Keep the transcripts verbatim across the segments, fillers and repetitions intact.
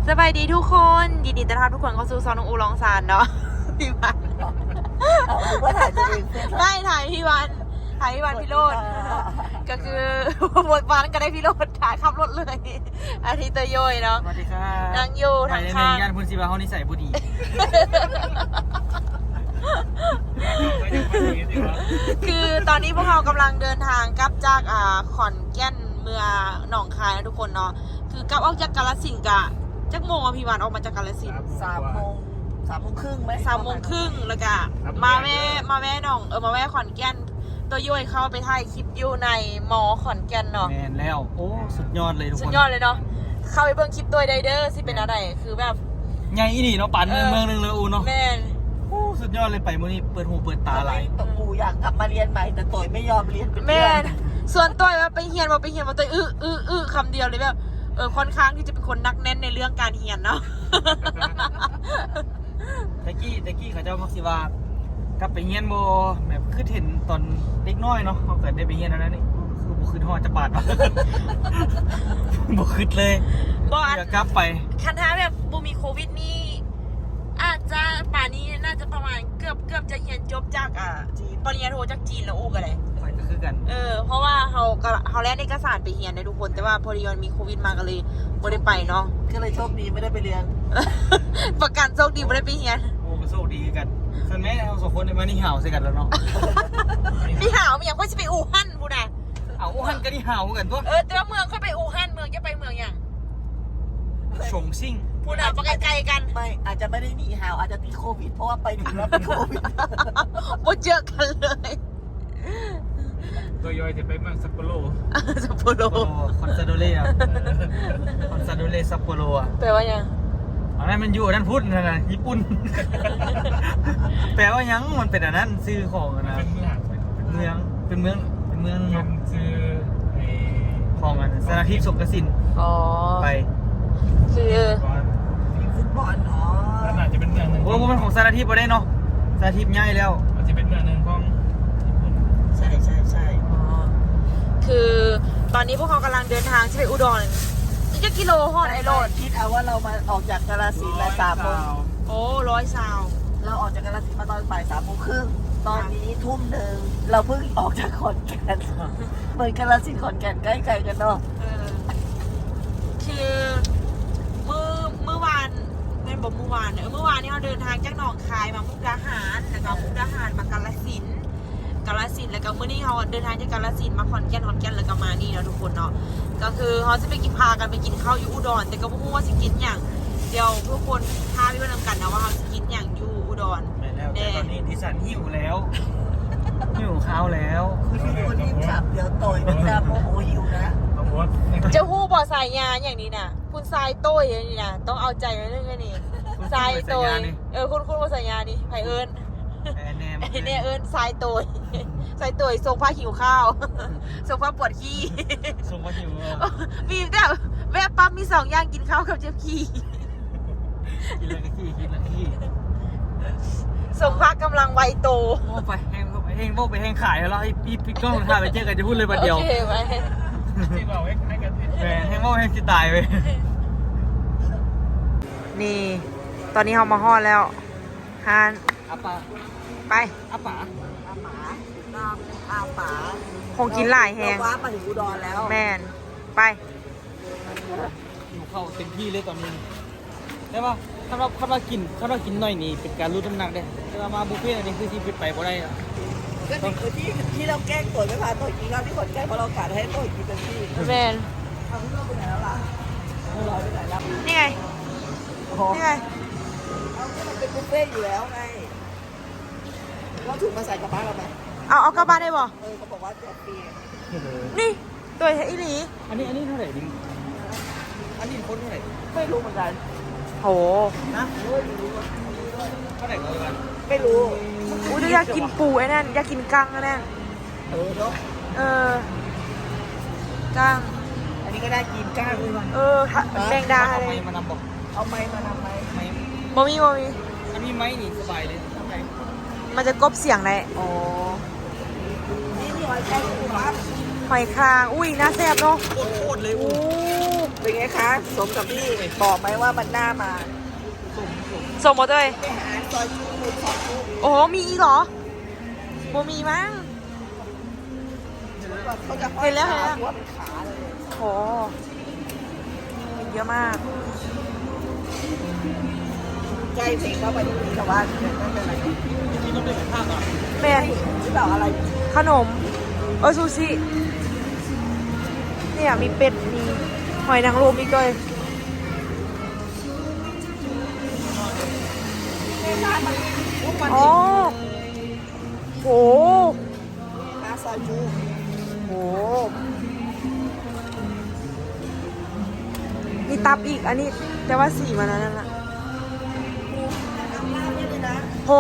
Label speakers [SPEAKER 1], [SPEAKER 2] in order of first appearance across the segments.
[SPEAKER 1] สบายดีทุกคนยินดีต้อนรับทุกคนเข้าสู่ซองน้องอูลองซานเนาะพี่วัน
[SPEAKER 2] ว่าถ่ายตัวเอง
[SPEAKER 1] ไม่ถ่ายพี่วันถ่ายพี่วันพี่โรดก็คือบทบาทก็ได้พี่โรดถ่ายขับรถเลยอาทิตย์เตยโยยเนาะ
[SPEAKER 3] สวัสดีครับ
[SPEAKER 1] นางอยู่ทางข้าง
[SPEAKER 3] ย่านพุนศิบาเขานิสัยบุดี
[SPEAKER 1] คือตอนนี้พวกเรากำลังเดินทางกลับจากอ่าขอนแก่นเมืองหนองคายนะทุกคนเนาะคือกลับออกจากกาฬสินธุ์กะจักโมงอ่ะพี่วันออกมาจากกาฬสินธุ์
[SPEAKER 2] สามโมงสามโมงครึ่งไหม
[SPEAKER 1] สามโมงครึ่งแล้วก็มาแม่มาแม่หนองเออมาแม่ขอนแก่นตัวย่อยเข้าไปถ่ายคลิปอยู่ในมอขอนแก่นเนาะ
[SPEAKER 3] แมนแล้ว โอ้ สุดยอดเลยทุกคน
[SPEAKER 1] สุดยอดเลยเนาะเข้าไปเบิ่งคลิปตัวไดเดอร์สิเป็นอะไรคือแบบ
[SPEAKER 3] ใหญ่อีนี่เนาะปั่นเมืองเมืองหนึงเลยอูเนาะ
[SPEAKER 1] แม่น
[SPEAKER 3] โอ้สุดยอดเลยไปมื้อนี้เปิดหูเปิดตาหลาย
[SPEAKER 2] ตปูอยากกลับมาเรียนใหม่แต่ต่อยไม่ยอมเรียนเป็น
[SPEAKER 1] แม่
[SPEAKER 2] เพื่อน
[SPEAKER 1] นส่วนตัวว่าไปเฮียนว่าไปเฮียนว่าตัวอื้ออื้ออื้อคำเดียวเลยแบบเออค่อนข้างที่จะเป็นคนนักแน่นในเรื่องการเฮียนเนาะ
[SPEAKER 3] ตะกี้ตะกี้เขาเจ้ามักสิว่ากลับไปเฮียนบ่แบบคือเห็นตอนเด็กน้อยเนาะเขาเกิดได้ไปเฮียนแล้วนั่นนี่คือบ่คือฮอดจะบาด วะ บ่คิดเลย
[SPEAKER 1] บ่อัน
[SPEAKER 3] อยากกลับไป
[SPEAKER 1] คันท้าแบบบูมีโควิดนี่อาจจะป่านนี้น่าจะประมาณเกือบเกือบจะเรียนจบจากอ่าปริญญาโทจากจีนแล้วอู้กันเลย
[SPEAKER 3] ไปก็คือกัน
[SPEAKER 1] เออเพราะว่าเขาก็เขาแลกเอกสารไปเรียนในทุกคนแต่ว่าพอดีมันมีโควิดมาก็เลยไม่ได้ไปเนาะ
[SPEAKER 2] ก็เลยโชคดีไม่ได้ไปเรียน
[SPEAKER 1] ประกันโชคดีไม่ได้ไปเรียน
[SPEAKER 3] โอ้ก็โชคดีกันส่วนแม่เราสองคนได้มานี่ห่าวใส่กันแล้วเนาะ
[SPEAKER 1] นี่หาวมันยังค่อยจะไปอู่ฮั่นพูดนะ
[SPEAKER 3] เอาอูหันก็นี่ห่าวกันตัว
[SPEAKER 1] เออแต่ว่าเมืองค่อยไปอู่ฮั่นเมืองจะไปเมืองอย่าง
[SPEAKER 3] ฉงซิ่ง
[SPEAKER 1] พูดนะไปไกลๆกัน
[SPEAKER 2] ไม่อาจจะไม่ได้หนีหาวอาจจะติดโควิดเพราะว่าไปถึงแล้วเป็นโควิด
[SPEAKER 1] โมเจอกันเลย
[SPEAKER 4] ตัวยอยจะไปเมืองซัปโปโร
[SPEAKER 1] ซัปโปโร
[SPEAKER 3] คอนซาโดเล่อะคอนซาโดเล่ซัปโปโรอะ
[SPEAKER 1] แปลว่ายัง
[SPEAKER 3] อันนั้นมันอยู่อันนั้นพูดนะนะญี่ปุ่น แปลว่ายังมันเป็นอันนั้นซื้อของอะนะ
[SPEAKER 4] เป็นเมือง
[SPEAKER 3] เป็นเมืองเป็นเมืองเป็นเมือง
[SPEAKER 4] มันชื่อไอ้
[SPEAKER 3] ของอันสนาทิพย์สงกสิน
[SPEAKER 1] อ๋อ
[SPEAKER 3] ไป
[SPEAKER 1] คือ
[SPEAKER 4] ก่อน
[SPEAKER 2] ฟุตบอลอ๋อ
[SPEAKER 4] แล้วน่าจะเป็นเมืองหนึ่ง
[SPEAKER 3] โอ้โหมันของสนาทิพย์ไปได้เนาะสนาทิพย์ใหญ่แล้ว
[SPEAKER 4] มันจะเป็นเมืองหนึ่งของญี่ปุ่น
[SPEAKER 2] ใช่ใช่ใช่
[SPEAKER 1] อ๋อคือตอนนี้พวกเขากำลังเดินทางจะไปอุดรนี่จะกิโลฮอดไอโรด
[SPEAKER 2] คิดเอาว่าเรามาออกจากกาฬสินธุ์มาสามโมง
[SPEAKER 1] โอ้ร้อยซาว
[SPEAKER 2] เราออกจากกาฬสินธุ์มาตอนบ่ายสามโมงครึ่งตอนนี้ทุ่มหนึ่งเราเพิ่งออกจากขอนแก่นเหมือนกาฬสินธุ์ขอนแก่นใกล้ๆกันเนาะ
[SPEAKER 1] เออคือเมื่อเมื่อวานเป็นบอกเมื่อวานเออเมื่อวานนี้เราเดินทางจากหนองคายมามุกดาหารแล้วก็มุกดาหารมากาฬสินธุ์กาฬสินธุ์แล้วก็เมื่อนี้เขาเดินทางจากกาฬสินธุ์มาขอนแก่นขอนแก่นแล้วก็มานี่เนาะทุกคนเนาะก็คือเขาจะไปกินพากันไปกินข้าวอยู่อุดรแต่ก็ไม่รู้ว่าจะกินอย่างเดี๋ยวทุกคนท้าพี่ว่านํกันนะว่าเขาจะกินอย่างอยู่อุดร
[SPEAKER 3] ไปแล้วแต่ตอนนี้ดิฉันหิวแล้ว หิวข้าวแล้ว
[SPEAKER 2] คุณพี่คนรีบขับเดี๋ยวต่อยมันจะโมโหหิวนะ
[SPEAKER 4] ขบวน
[SPEAKER 1] จะหู้บ่อสายยาอย่างนี้นะคุณทรายโต้ยอย่างนี้นะต้องเอาใจไว้เรื่องนี้ทรายโต้ยเออคุณคุณบ่อสายยานี่ไผเอิญ
[SPEAKER 3] แอนแนม
[SPEAKER 1] ไอ้เนี่ยเอิญทรายโต้ยทรายโต้ยทรงผ้าหิวข้าวทรงผ้าปวดขี้
[SPEAKER 3] ส่งมาหิวเออ
[SPEAKER 1] มีแต่แวะปั๊มมีสองอย่างกินข้าวกับเจ็บขี้
[SPEAKER 3] กินแล้วก็ขี้กินแล้วก็ขี้
[SPEAKER 1] ทรงผ้ากำลังวัยโต
[SPEAKER 3] โอ้ไปแห้งไปแห้งโบกไปแห้งขายแล้วไอ้พี่พี่กล้องถ่ายไปเจอกันจะพูดเลยประเดียว
[SPEAKER 1] โอเคไหม
[SPEAKER 4] ที่เราให้กัน
[SPEAKER 3] แหมแห้งโบกแห้งสิตายไป
[SPEAKER 1] นี่ ตอนนี้เขามาห่อดแล้วฮาน
[SPEAKER 3] อาป่า
[SPEAKER 1] ไป
[SPEAKER 3] อาป่า
[SPEAKER 2] อาป๋าน้ำอาป๋า
[SPEAKER 1] คงกินหลายแหง
[SPEAKER 2] เราว้ามาถึงอุดรแล้ว
[SPEAKER 1] แมนไป
[SPEAKER 3] อยู่เข้าเต็มที่เลยตอนนี้ได้ป่ะถ้าเราถ้าเรากินถ้าเรากินหน่อยนี่เป็นการลดน้ำหนักได้แต่ว่ามาบุฟเฟ่ต์อันนี้คือที่ไปบ่ได้อะ
[SPEAKER 2] ก็นี่คือที่ที่เราแกล้งต่อยไม่พาต่อยกินข้าวที่ขอนแก่นเพราะเรากะให้ต่อยกินเต็มที่
[SPEAKER 1] แมน
[SPEAKER 2] เอาพี่เราไปไหนแล้วล่ะเราลอยไปไหนแล้ว
[SPEAKER 1] นี่ไง
[SPEAKER 2] โอ้โห
[SPEAKER 1] นี่ไง
[SPEAKER 2] เอาที่มันเป็นบุฟเฟ่ต์อยู่แล้วไงเราถูกมาใส่กระเป๋าเราไหม
[SPEAKER 1] เอาเอากลับบ้านได้บ่
[SPEAKER 2] เออเขาบอกว่าแจกฟรี
[SPEAKER 1] นี่ตัวเฮอีหลี
[SPEAKER 3] อันนี้อันนี้เท่าไหร่ดิอันนี้คนเท่าไหร่
[SPEAKER 2] ไม่รู้เหมือนกัน
[SPEAKER 1] โห
[SPEAKER 2] นะเฮ้ยไม่รู้
[SPEAKER 3] เท่าไหร่กันวัน
[SPEAKER 2] ไม่รู้
[SPEAKER 1] อู้จะอยากกินปูไอ้นั่นอยากกินกั้งไอ้นั่น
[SPEAKER 2] เออเนาะ
[SPEAKER 1] เออกั้ง
[SPEAKER 2] อันนี้ก็ได้กินก้างเลยว่ะ
[SPEAKER 1] เออถ้าแมงดา
[SPEAKER 3] เอา
[SPEAKER 1] เล
[SPEAKER 3] ไม้
[SPEAKER 1] ย
[SPEAKER 3] มานำบอก
[SPEAKER 2] เอาไม้มาทำไม
[SPEAKER 3] ไม้
[SPEAKER 1] บ่มีบ่มี
[SPEAKER 3] อันนี้ไม้นี่สบายเลยทำไม
[SPEAKER 1] มันจะกบเสียงได้
[SPEAKER 2] อ๋อนี่นี่หอยแครงปูปั๊บ
[SPEAKER 1] หอยคางอุ้ยน่าแซ่บเนาะ
[SPEAKER 3] โคตรโคตรเลย
[SPEAKER 1] โอ้
[SPEAKER 3] อู้
[SPEAKER 2] เป็นไงคะสมกับที่บอกไหมว่ามันน่ามา
[SPEAKER 1] ส่งหมดเลย
[SPEAKER 2] ไปหาซอยชูซอยชู
[SPEAKER 1] โอ้โหมีอีกเหรอโมมีมั้ง
[SPEAKER 2] เขาจะ
[SPEAKER 1] เห็นแล้วเห็นแล้ว
[SPEAKER 2] หัวเป็นขาเลย
[SPEAKER 1] โหเยอะมาก
[SPEAKER 2] ใจเพลงเข้าไปตรงนี้แต่ว่าไม่เป็นไร
[SPEAKER 3] นี่ต้องเดินไปข้างก่อน
[SPEAKER 1] แม่
[SPEAKER 2] หรือเปล่าอะไร
[SPEAKER 1] ขนม เออซูชิเนี่ยมีเป็ด มีหอยนางรมอีกด้วย อ๋อโห
[SPEAKER 2] หาซอยชู
[SPEAKER 1] โห มีตับอีก อันนี้ แต่ว่าสีมันนั้นน่ะ
[SPEAKER 2] น้ำลาบนี่เลยนะ
[SPEAKER 1] โห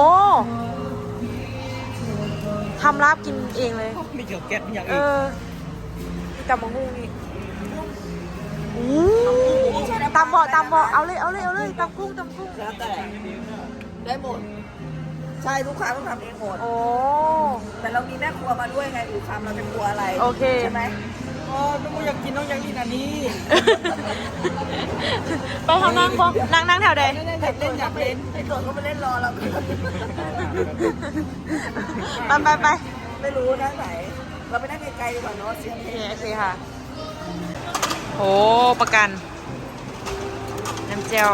[SPEAKER 1] ทำลาบกินเองเลย
[SPEAKER 3] มีเกี่ยวแก๊สมีอย่าง
[SPEAKER 1] เอ
[SPEAKER 3] อื่น
[SPEAKER 1] อ มีตำมะฮุ่งอีกอู้ตำบ่อตำบ่อเอาเลย เอาเลย เอาเลยตำกุ้งตำกุ้ง
[SPEAKER 2] แล้วแต่ได้หมด ใช่ลูกค้าต้องทำเองหมด
[SPEAKER 1] โอ้
[SPEAKER 2] แต่เรามีแม่ครัวมาด้วยไงอูคำเราเป็นครัวอะไร
[SPEAKER 1] โอเค
[SPEAKER 2] ใช่ไหม
[SPEAKER 3] อ๋อน้องอยากกินน้องอยากกินอันนี้
[SPEAKER 1] ไปทำนั่งบ่นั่งนั่งแถวใด
[SPEAKER 2] เล่นอยากเล่นไอ้ตัวเขาไปเล่นรอเรา
[SPEAKER 1] ไปไปไป
[SPEAKER 2] ไม่รู้นะไหน เราไปนั่งไกลๆดีกว่าเนาะเสียง
[SPEAKER 1] โอ
[SPEAKER 2] เพ
[SPEAKER 1] เค
[SPEAKER 2] ลง
[SPEAKER 1] โอเคค่ะโหประกัน น้ำเจล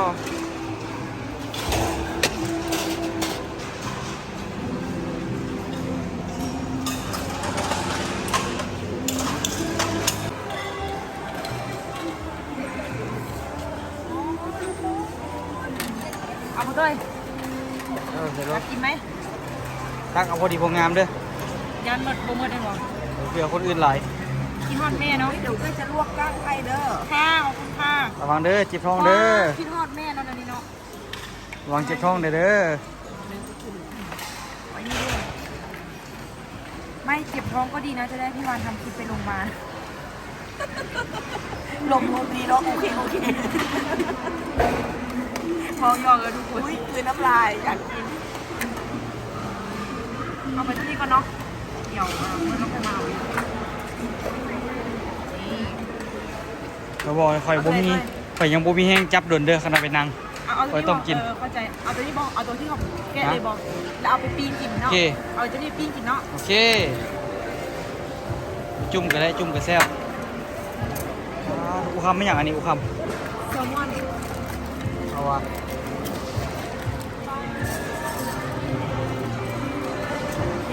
[SPEAKER 1] เอามาด้วย
[SPEAKER 3] เออเดี๋ยว
[SPEAKER 1] อยากกินไหม
[SPEAKER 3] ตั้งเอาพอดีพองามเด้อ
[SPEAKER 1] ยันหมดโปรโมทได้หรอ
[SPEAKER 3] เผื่อคนอื่นหลาย
[SPEAKER 1] กินฮอดแม่เนาะ
[SPEAKER 2] เดี๋ยวก็จะลวกก้างให้เด้อ
[SPEAKER 1] ค่ะขอบคุณค่ะ
[SPEAKER 3] ระวังเด้อจิบท้องเด้อ
[SPEAKER 1] กินฮอดแม่เนาะเดี๋ยวนี้เนาะ
[SPEAKER 3] ระวังจิบท้องเด้อเด้อ
[SPEAKER 1] ไว้นี่ด้วยไม่เจ็บท้องก็ดีนะจะได้พี่วานทำคลิปไปโรงพยาบาล
[SPEAKER 2] ลมลมดีเนาะโอเคโอเค
[SPEAKER 1] พอยอกเลยทุกคน
[SPEAKER 2] อุ้ยคือน้ำลายอยากกิน
[SPEAKER 1] เอาไปที่นี่ก่อนเนาะเดี๋ยวเออมันต้องไปมาเอาอีกนี่
[SPEAKER 3] เราบอกให้ข่อยบ่มีข่อยยังบ่มีแห้งจับโดนเด้อขนาดไปนั่ง
[SPEAKER 1] เอาเอาตัว
[SPEAKER 3] ไว้ต้มกิน
[SPEAKER 1] เออเข้าใจเอาตัวนี้บอกเอาตัวที่เขาแกะเลยบอกแล้วเอาไปปิ้งกินเนาะ
[SPEAKER 3] โอเค
[SPEAKER 1] เอาตัวนี้ปิ้งกินเนาะ
[SPEAKER 3] โอเค จุ่มก็ได้จุ่มก็แซ่บอ่าอุคำไม่อย่างอันนี้อุค
[SPEAKER 1] แซลมอน
[SPEAKER 3] ำเอาวะ
[SPEAKER 1] โอเค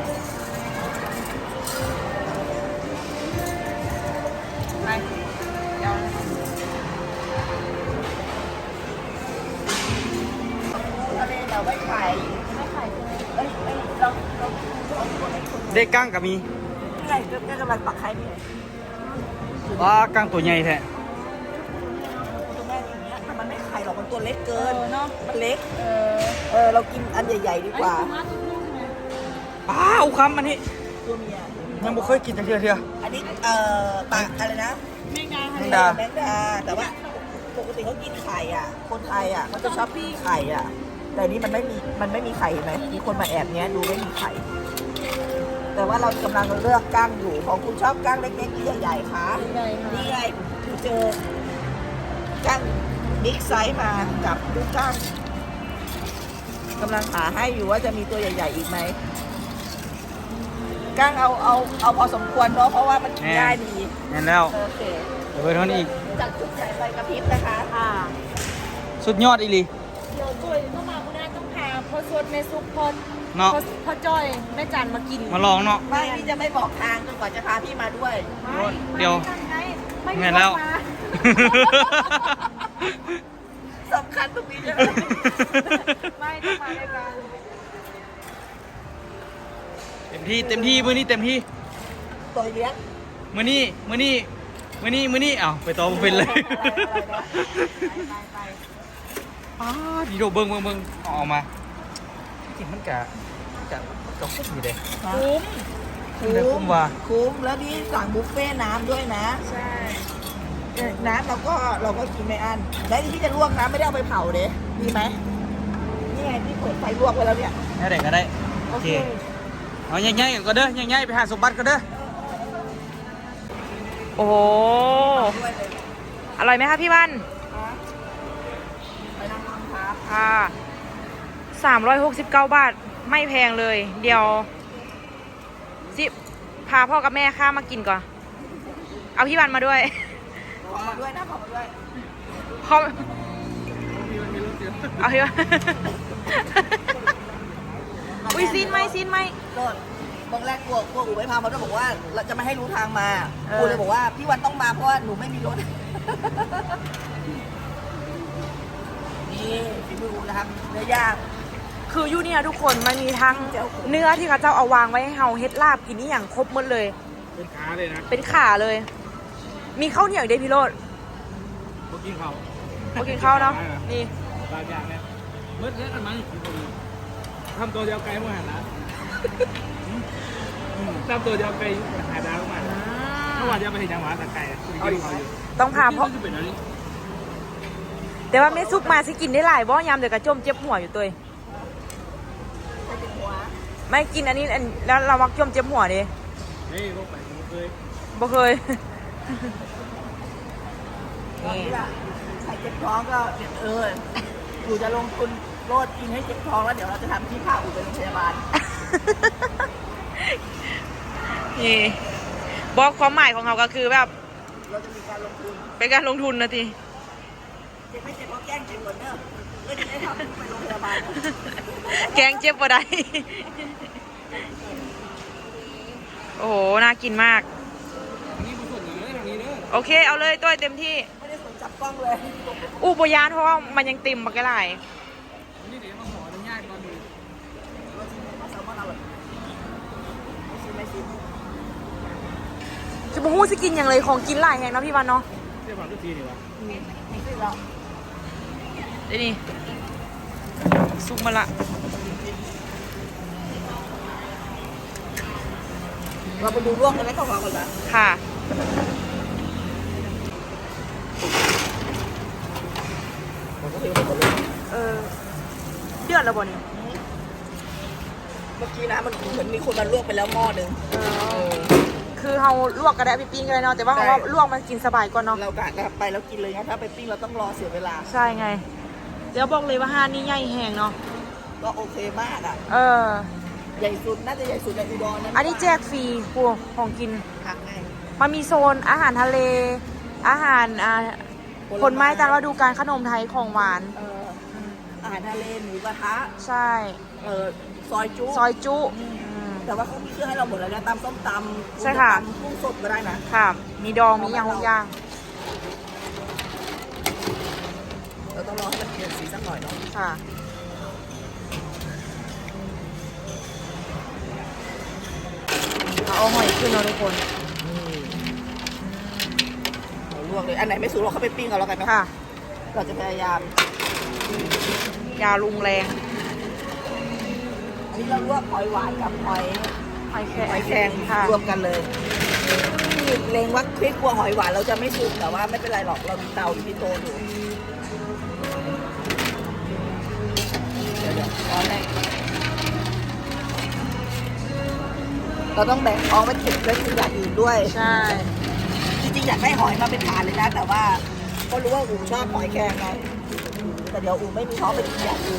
[SPEAKER 1] ไปเดี๋ยว
[SPEAKER 2] ทะเลเราไม่ขายไม่ขายเอ้ยเอ้ยเราเราเราคนให้คน
[SPEAKER 3] ได้กั้งก็มี
[SPEAKER 2] นี่ไงก็กำลังปักไข่นี่ไง
[SPEAKER 3] ว้ากั้งตัวใหญ่แท้
[SPEAKER 2] ตัวแม่อย่างเงี้ยแต่มันไม่ไข่หรอกมันตัวเล็ก
[SPEAKER 1] เอ
[SPEAKER 2] เกิน
[SPEAKER 1] อเนาะ
[SPEAKER 2] มันเล็ก
[SPEAKER 1] เออ
[SPEAKER 2] เออเรากินอันใหญ่ๆดีกว่า
[SPEAKER 3] ป้าอุคำอันนี้
[SPEAKER 2] ตัวเมีย
[SPEAKER 3] ยังบ่เคยกินจังเทื่อเทื่อ
[SPEAKER 2] อันนี้เอ่อปลาอะไรนะ
[SPEAKER 1] แมงดา
[SPEAKER 3] แม
[SPEAKER 1] ค่ะ
[SPEAKER 3] งดา
[SPEAKER 2] แมงดาแต่ว่าปกติเขากินไข่อ่ะ คนไทยอ่ะเขาจะชอบกินไข่อ่ะ แต่อันนี้มันไม่มีมันไม่มีไข่เห็นไหมมีคนมาแอบเนี้ยดูไม่มีไข่ แต่ว่าเรากำลังเลือกก้างอยู่ของคุณชอบก้างเล็กๆหรือใหญ่ๆคะ
[SPEAKER 1] ใหญ่ค่ะ
[SPEAKER 2] นี่ไงคือเจอก้างบิ๊กไซส์มากับลูกก้างกำลังหาให้อยู่ว่าจะมีตัวใหญ่ ๆ อีกไหมก้างเอาเอาเอาพอสมควรเนาะเพราะว่ามันกินง่ายดี
[SPEAKER 3] นั่นแล้ว
[SPEAKER 2] โอเค
[SPEAKER 3] เดี๋ยวไปเท่านี้อีก
[SPEAKER 2] จากชุดใหญ่ไปกระพริบนะคะ
[SPEAKER 1] ค่ะ
[SPEAKER 3] สุดยอดอีหลี
[SPEAKER 1] เดี๋ยวจุ้ยเข้ามาคุณแม่ต้องพาพ่อสดแม่ซุปพ่อ
[SPEAKER 3] เนาะ
[SPEAKER 1] พ่อพ่อจ้อยแม่จันมากิน
[SPEAKER 3] มาลองเนาะ
[SPEAKER 2] ไม่พี่จะไม่บอกทางจนกว่าจะพาพี่มาด้วย
[SPEAKER 1] ไม่
[SPEAKER 3] เดี๋ยว
[SPEAKER 1] ไม่
[SPEAKER 3] แม่
[SPEAKER 1] ไม่
[SPEAKER 3] แล้ว
[SPEAKER 1] มา
[SPEAKER 2] สำคัญตรงนี้ใช่ไหม
[SPEAKER 1] ไม่ต้องมาด้วยกัน
[SPEAKER 3] เต็มที่เต็มที่มื้อนี้เต็มที่
[SPEAKER 2] ตัวเลี้ยง
[SPEAKER 3] มื้อนี้มื้อนี้มื้อนี้มื้อนี้อ้าวไปต่อบ่เป็นเลย
[SPEAKER 1] ไปไป
[SPEAKER 3] อ้าดีโดเบิ่งเบิ่งเบิ่งเอาออกมาจริงมันกะมันกะมันกะคุ้มอยู่เด้
[SPEAKER 1] คุ้ม
[SPEAKER 3] คุ้มได้คุ้มว่า
[SPEAKER 2] คุ้มแล้วนี่สั่งบุฟเฟ่ต์น้ำด้วยนะ
[SPEAKER 1] ใช่
[SPEAKER 2] เออน้ำเราก็เราก็กินไม่อั้นแล้วที่พี่จะลวกน้ำไม่ได้เอาไปเผาเด้ดีไหมนี่ไงพี่เปิดไฟลวกไว้แล้วเนี่ย
[SPEAKER 3] แค่ไหนก็ได้โอเคเอาใหญ่ๆกันก็เด้อใหญ่ๆไปหาสมบัติก็เด้อ
[SPEAKER 1] โอ้โห
[SPEAKER 2] ด้วยเลย
[SPEAKER 1] อร่อยไหมคะพี่วัน
[SPEAKER 2] ไปนั่งทำครับ
[SPEAKER 1] ค่ะสามร้อยหกสิบเก้าบาทไม่แพงเลย เดี๋ยวสิพาพ่อกับแม่ข้ามากินก่อน เอาพี่วันมาด้วย
[SPEAKER 2] ขอมาด้วยนะขอมาด้วย
[SPEAKER 1] พ่อเอาพี่วัน อุ้ยซีนไหมซีนไหม
[SPEAKER 2] โดดบางแรกกลัวกลัวอูไม่พามาด้วยบอกว่าเราจะไม่ให้รู้ทางมา
[SPEAKER 1] เออ
[SPEAKER 2] กูเลยบอกว่าพี่วันต้องมาเพราะว่าหนูไม่มีรถ นี่ฝีมืออูนะครับเนื้อย่าง
[SPEAKER 1] คืออยู่เนี่ยทุกคนมันมีทั้งเนื้อที่เขาเจ้าเอาวางไว้ให้เฮาเฮ็ดลาบกินนี่อย่างครบหมดเลย
[SPEAKER 4] เป็นขาเลยนะ
[SPEAKER 1] เป็นขาเลย มีข้าวเหนียวอีกด้วยพี่โรด
[SPEAKER 4] เมื่อกี้เขา
[SPEAKER 1] มากินข้าวเนาะนี่
[SPEAKER 4] บางอย่างเนี่ยเมื่อเล่นกันมาอยู่พอดีทำตัวเดียวไกลมาหันละทำตัวเดียวไกลหาดาวมาเมื่อวานจะไปถึงจังหวัดตะไคร้คุณกินเขาอยู่
[SPEAKER 1] ต้องพาพ่อ
[SPEAKER 4] เป็นอะไร
[SPEAKER 1] แต่ว่าแม่ซุกมาสิกินได้หลายบ่ยามเดี๋ยวกระจมเจ็บหัวอยู่ตัวเอง
[SPEAKER 2] ไปถึงหัว
[SPEAKER 1] ไม่กินอันนี้อันแล้วเรามักจมเจ็บหัวดิ
[SPEAKER 4] เฮ้ยพวกไปผมเคย
[SPEAKER 1] บ่เคย
[SPEAKER 2] ตอนนี้ล่ะใครเจ็บท้องก็เดี๋ยวเอออูจะลงทุนโลดกินให้เจ็บท้องแล้วเดี๋ยวเราจะทำที่พาอูไปโรงพยาบาล
[SPEAKER 1] นี่บอกความหมายของเขาก็คือแบบ
[SPEAKER 2] เราจะมีการลงทุน
[SPEAKER 1] เป็นการลงทุนนะที
[SPEAKER 2] เจ็บไม่เจ็บก็แกล้งเจ็บเหมือนเดิมเพื่อที่จะทำไปโรงพยาบาล
[SPEAKER 1] แกงเจ็บบ่ได้ โอ้โห น่ากินมาก
[SPEAKER 4] นี่มาส่วนนี้ทางนี้เด้อ
[SPEAKER 1] โอเค เอาเลยตัวเต็มที่
[SPEAKER 2] ไม่ได้สนจับกล้องเลย
[SPEAKER 1] อู้บยานเพราะว่ามันยังเต็มบักหลาย
[SPEAKER 4] นี่เดี๋ยวมาขออนุญาตก่อนดู
[SPEAKER 2] มาชิมมาแซลมอนอร่อยไม่ชิมไม่ชิม
[SPEAKER 1] จะมาหู้สิกินอย่างเลยของกินหลายแห่งเนาะพี่วันเนาะ
[SPEAKER 4] เรียกว่าทุกทีดีวะ
[SPEAKER 2] ไม่ชิมเรา
[SPEAKER 1] เดี๋ยวนี่ซุกมาละ
[SPEAKER 2] เราไปดูร่วงกันไหมก่อนก่อนนะ
[SPEAKER 1] ค่ะ
[SPEAKER 2] ผมก็เทหมดเลย
[SPEAKER 1] เออ เดือดแล้วบ่เนี่ย
[SPEAKER 2] เมื่อกี้นะมันเหมือนมีคนมาลวกไปแล้วหม้อหนึ่ง
[SPEAKER 1] เออ คือเราลวกก็ได้ไปปิ้งก็ได้เนาะ แต่ว่าเราว่าลวกมันกินสบายกว่าเนาะ
[SPEAKER 2] เรากะกะไปแล้วกินเลยงั้นถ้าไปปิ้งเราต้องรอเสียเวลา
[SPEAKER 1] ใช่ไง เดี๋ยวบอกเลยว่าห้านนี่ใหญ่แหงเนาะ
[SPEAKER 2] ก็โอเคมากอ่ะ
[SPEAKER 1] เออ
[SPEAKER 2] ใหญ่สุดน่าจะใหญ่สุดในอุดรนะ
[SPEAKER 1] อันนี้แจกฟรีพวกของกิน
[SPEAKER 2] หักไง
[SPEAKER 1] มันมีโซนอาหารทะเล อาหารอ่าผลไม้ตามฤดูกาลขนมไทยของหวาน
[SPEAKER 2] เอออาหารทะเลหมูกระทะ
[SPEAKER 1] ใช่
[SPEAKER 2] เออซอยจุ
[SPEAKER 1] ซอยจุ
[SPEAKER 2] อืม
[SPEAKER 1] อืม
[SPEAKER 2] แต่ว่าเขามีเครื่องให้เราหมดแล้วนะตำส้มตำ
[SPEAKER 1] ใช่ค่ะ
[SPEAKER 2] ตำกุ้งสดก็ได้นะ
[SPEAKER 1] ค่ะ มีดอง มีอย่างทุกอย่าง
[SPEAKER 2] เราต้องรอให้มันเปลี่ยนสีสักหน่อยเนาะ
[SPEAKER 1] ค่ะ เอาหอยขึ้นเนาะทุกคน
[SPEAKER 2] เราลวกเลย อันไหนไม่สุกเราเข้าไปปิ้งกันแล้วกันเนาะ
[SPEAKER 1] ค่ะ
[SPEAKER 2] เราจะพยายาม
[SPEAKER 1] ยาลุงแรง
[SPEAKER 2] อันนี้เราลวกหอยหวานกับหอย
[SPEAKER 1] หอยแครง
[SPEAKER 2] หอยแครง
[SPEAKER 1] ค่ะ
[SPEAKER 2] รวมกันเลยที่เลงว่าคลิกกลัวหอยหวานเราจะไม่สุกแต่ว่าไม่เป็นไรหรอกเรามีเตาอยู่ที่โต๊ะอยู่เดี๋ยวเดี๋ยวร้อนแรกเราต้องแบ่งท้องไว้เก็บไว้กินอย่างอื่นด้วย
[SPEAKER 1] ใช่
[SPEAKER 2] จริงๆอยากได้หอยมาเป็นฐานเลยนะ แต่ว่าก็รู้ว่าอูชอบหอยแครงไงแต่เดี๋ยวอูไม่มีท้องไปกินอย่างอื่น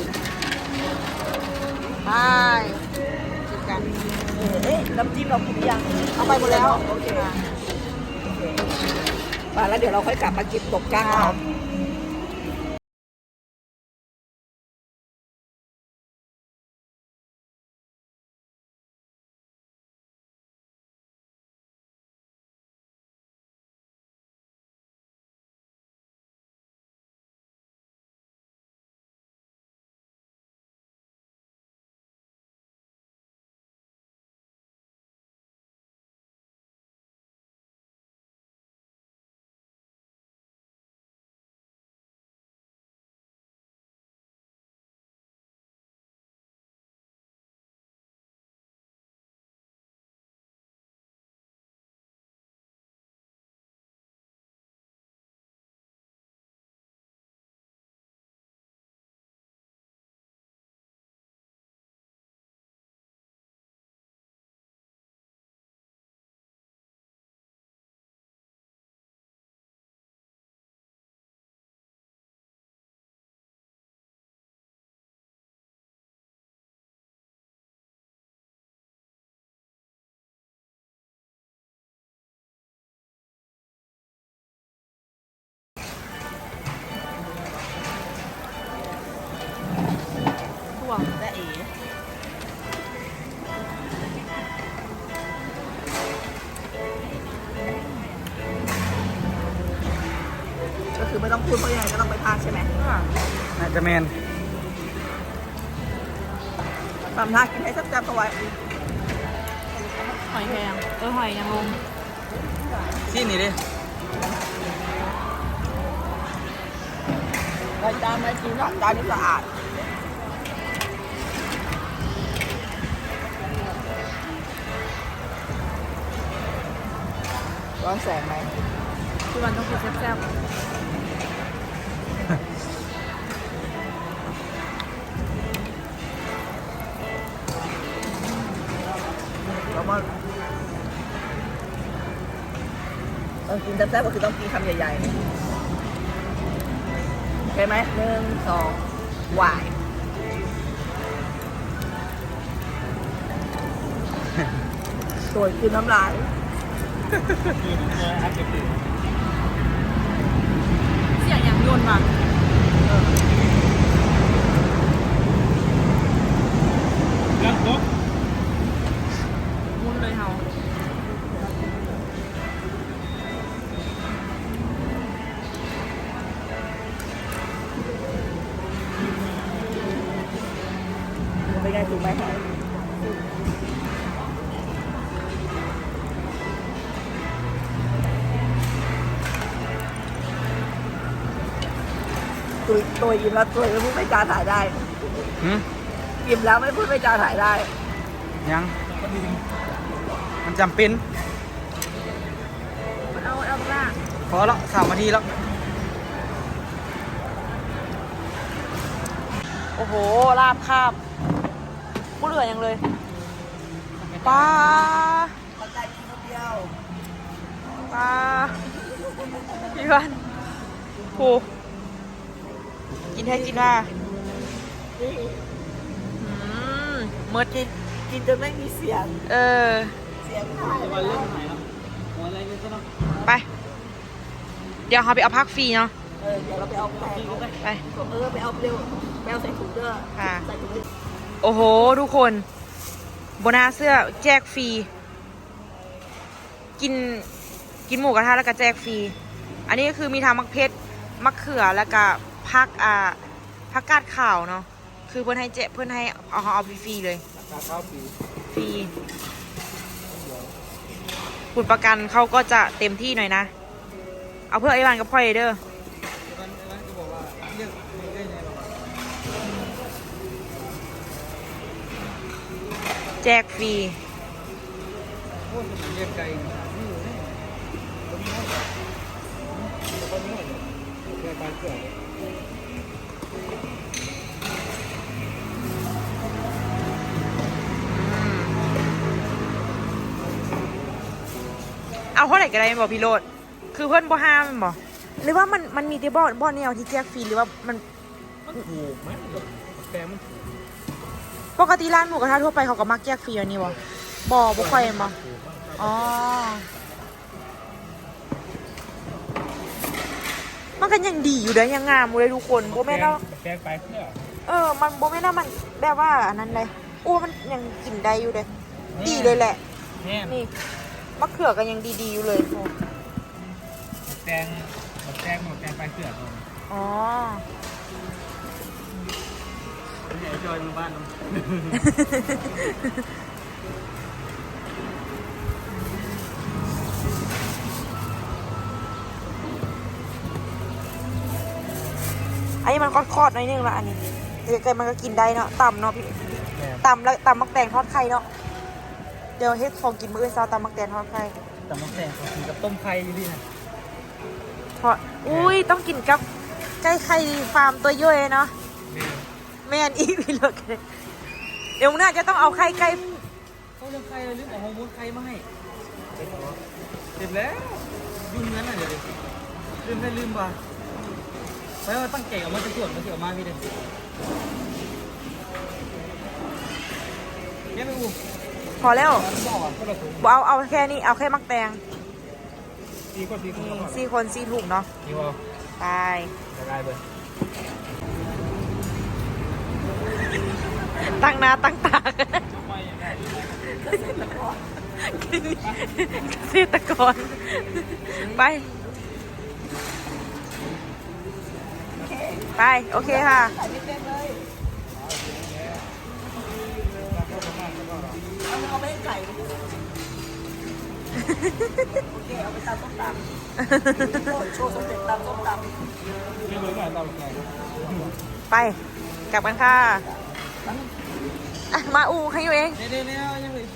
[SPEAKER 1] ไปกินกัน
[SPEAKER 2] เออเอ๊ะน้ำจิ้มเรากินหรือยัง
[SPEAKER 1] เอาไปหมดแล้ว
[SPEAKER 2] โอเคมาแล้วเดี๋ยวเราค่อยกลับมาเก็บตกก้างเอาไงก็ต้องไปภาคใช่ไหม
[SPEAKER 3] น่าจะแมน
[SPEAKER 2] ทำท่ากินให้แซ่บๆเอาไว้
[SPEAKER 1] หอยแครงเออหอยนางรม
[SPEAKER 3] ที่นี่ดิ
[SPEAKER 2] รายจานไม่กินจานนี้สะอาดร้อนแสงไหม
[SPEAKER 1] พี่วันต้องกินแซ่บ
[SPEAKER 2] แล้วก็ต้องกินแซ่บๆก็คือต้องกินคำใหญ่ๆโอเคไหมหนึ่งสองหวายสวยคือน้ำลาย
[SPEAKER 4] อัพเดท
[SPEAKER 1] ๆเสียงอย่างยนต์ว่ะ
[SPEAKER 4] แล้วก็
[SPEAKER 1] มุนเลยเฮา
[SPEAKER 2] เป็นไงถูกไหมตัวตัวยิ้มแล้วตัวไม่พูดไม่จาถ่ายได้
[SPEAKER 3] หืม
[SPEAKER 2] ยิ้มแล้วไม่พูดไม่จาถ่ายได้
[SPEAKER 3] ยังมันจำเป็น
[SPEAKER 1] เอาเอาล่า
[SPEAKER 3] พอแล้วสามนาทีแล้ว
[SPEAKER 1] โอ้โหลาบคาบกูเหลือยังเลยปลา
[SPEAKER 2] มันได้กินคนเดียว
[SPEAKER 1] ปลาพี่วันโหกินให้กินว่า
[SPEAKER 2] นี่
[SPEAKER 1] อืมเมื่อ
[SPEAKER 2] กินกินจนไม่มีเสียง
[SPEAKER 1] เออ
[SPEAKER 2] เสียงหายไป
[SPEAKER 3] วัน
[SPEAKER 2] แล้
[SPEAKER 3] เริ่
[SPEAKER 2] ว
[SPEAKER 3] มหายแล้วหัวอะไรเลยก็ต้อง
[SPEAKER 1] ไป เดี๋ยวเขาไปเอาพักฟรีเนาะ
[SPEAKER 2] เออเดี๋ยวเราไปเอาแป้ง
[SPEAKER 1] ไป
[SPEAKER 2] เออไปเอาเร็วไปเอาใส่ถุงเด้อ
[SPEAKER 1] ค่ะ
[SPEAKER 2] ใส่ถุงดิ
[SPEAKER 1] โอ้โห ทุกคนโบนาเสื้อแจกฟรี กินกินหมูกระทะแล้วก็แจกฟรี อันนี้ก็คือมีทางมักเพชรมักเขือแล้วก็พักอ่าพักกาดขาวเนาะคือเพื่อนให้เจเพื่อนให้เอาเอาฟรีๆเลย
[SPEAKER 3] ราคาปี
[SPEAKER 1] ฟรีคุณประกันเขาก็จะเต็มที่หน่อยนะ เอาเพื่อไอ้วันกับพ่อเอเดอร์
[SPEAKER 3] วันวันก็บอกว่าเรียกไม่ได้ไงหรอก
[SPEAKER 1] แจกฟรี
[SPEAKER 3] โอ้ยมันเรียกไกลนี่อยู่นี่คนนี้คนนี้เรียกการเกิด
[SPEAKER 1] เอาเท่าไหร่ก็ได้แม่นบอกพี่โรดคือเพื่อนบ่ห้ามแม่นบอกหรือว่ามันมันมีที่บ่อนบ่อนแนวที่แจกฟรีหรือว่ามัน
[SPEAKER 4] มันถูกไหมแกมันถูก
[SPEAKER 1] ปกติร้านหมูกระทะทั่วไปเขาก็มักแจกฟรีอันนี้บ่บ่บ่ค่อยแม่นบ่อ๋อมันก็ยังดีอยู่เด้อยังงามอยู่เลยทุกคนบ่แม่นว่า
[SPEAKER 4] แกไปเพื่อ
[SPEAKER 1] เออมันบ่แม่นว่ามันแบบว่าอันนั้นเลยโอ้มันยังกินได้อยู่เด้ดีเลยแหละ
[SPEAKER 4] แง่
[SPEAKER 1] นี่มะเขือก็ยังดีๆอยู่เลยโอ้
[SPEAKER 4] แกงแกงหมดแกงไปเพื่อ
[SPEAKER 1] อ๋อ
[SPEAKER 3] ใหญ่จอยมือบ้านน้อง
[SPEAKER 1] อันนี้มันคอดๆหน่อยนึงละอันนี้แต่ไก่มันก็กินได้เนาะต่ำเนาะพี่ต่ำแล้วต่ำมักแตงทอดไข่เนาะเดี๋ยวเฮ็ดของกินมื้ออื่นเช้าต่ำมักแตงทอดไข่
[SPEAKER 3] แต่น้องแตงเขากินกับต้มไข่อยู่ที่นะ
[SPEAKER 1] ทอดอุ้ยต้องกินกับไก่ไข่ฟาร์มตัวย่อยเนาะแม่นอีกพี่เลิกเลยเดี๋ยวน่าจะต้องเอาไข่ไก่
[SPEAKER 3] เขาเรื่องไข่เลยลืมเอาฮอร์โมนไข่มาให้เสร็จแล้วยุ่งงั้นน่ะเดี๋ยวลืมได้ลืมป่ะเพราะว่าตั้งใจเอามาจะตรวจมาเสียออกมาพี่เด็กเนี่ยไม่อู้
[SPEAKER 1] พอแล้ว
[SPEAKER 3] บอกอ่ะก็เราถูก
[SPEAKER 1] บ่เอาเอาแค่นี้เอาแค่มักแตง
[SPEAKER 4] ดีกว่าดีก
[SPEAKER 1] นี่
[SPEAKER 4] ว่า
[SPEAKER 1] สี่คนสี่ถุงเนาะ
[SPEAKER 4] ดีกว่า
[SPEAKER 1] ไป
[SPEAKER 4] จะได้เบอร์
[SPEAKER 1] ตั้งหน้าตั้งตากัน
[SPEAKER 4] ไม่ยังไง
[SPEAKER 1] เกษตรกรไปไปโอเคค่ะ
[SPEAKER 2] ใส่ไม่เต็มเลยเอาเอาไปให้ไก่ดิโอเคเอาไปตำส้มตำโชว์สมเด็จตำส้มตำ
[SPEAKER 4] ไม่รู้หน่อยตามไง
[SPEAKER 1] ไปกลับกันค่ะอ่ะมาอูให้อยู่เอง
[SPEAKER 3] เดี๋ยวๆๆยังเลย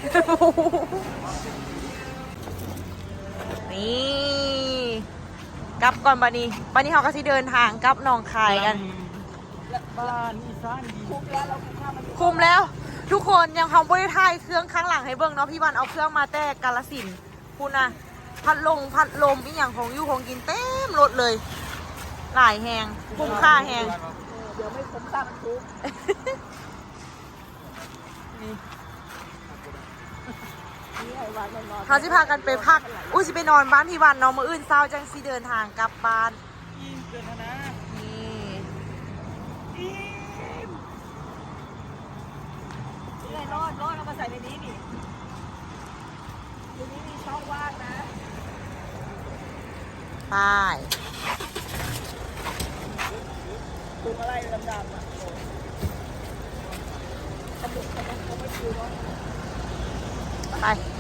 [SPEAKER 1] นี่กลับก่อนบันนี้บันนี้เขาก็สิเดินทางกลับหนองคายกัน
[SPEAKER 3] บ้านอีสานดี
[SPEAKER 2] คุ้มแล้วเราคุ้มค่ามัน
[SPEAKER 1] คุมแล้ว ทุกคนยังทำบริทายเครื่องข้างหลังให้เบิ่งเนาะพี่วันเอาเครื่องมาแต่กาลสินธุ์คุณนะพัดลงพัดลมอีอย่างของอยู่ของกินเต็มรถเลย หลายแหงคุ้มค่าแหง
[SPEAKER 2] เดี๋ยวไม่คุ้มค่ามันคุ้ม นี่ไอ้วันนอน
[SPEAKER 1] เขาสิพากันไปพักอุ้ยสิไปนอนบ้านพี่วันเนาะมื้ออื่นเช้าจังสิเดินทางกลับบ้าน
[SPEAKER 3] ยิ่งเกินนะ
[SPEAKER 1] นี่
[SPEAKER 2] นี่ไงรอดรอดเอามาใส่ในนี้นี่ในนี้มีช่องว่างนะ
[SPEAKER 1] ไป
[SPEAKER 2] ถุงอะไรดำๆอ่ะขมุกขมุกเขาไม่คิวเนาะ
[SPEAKER 1] ไป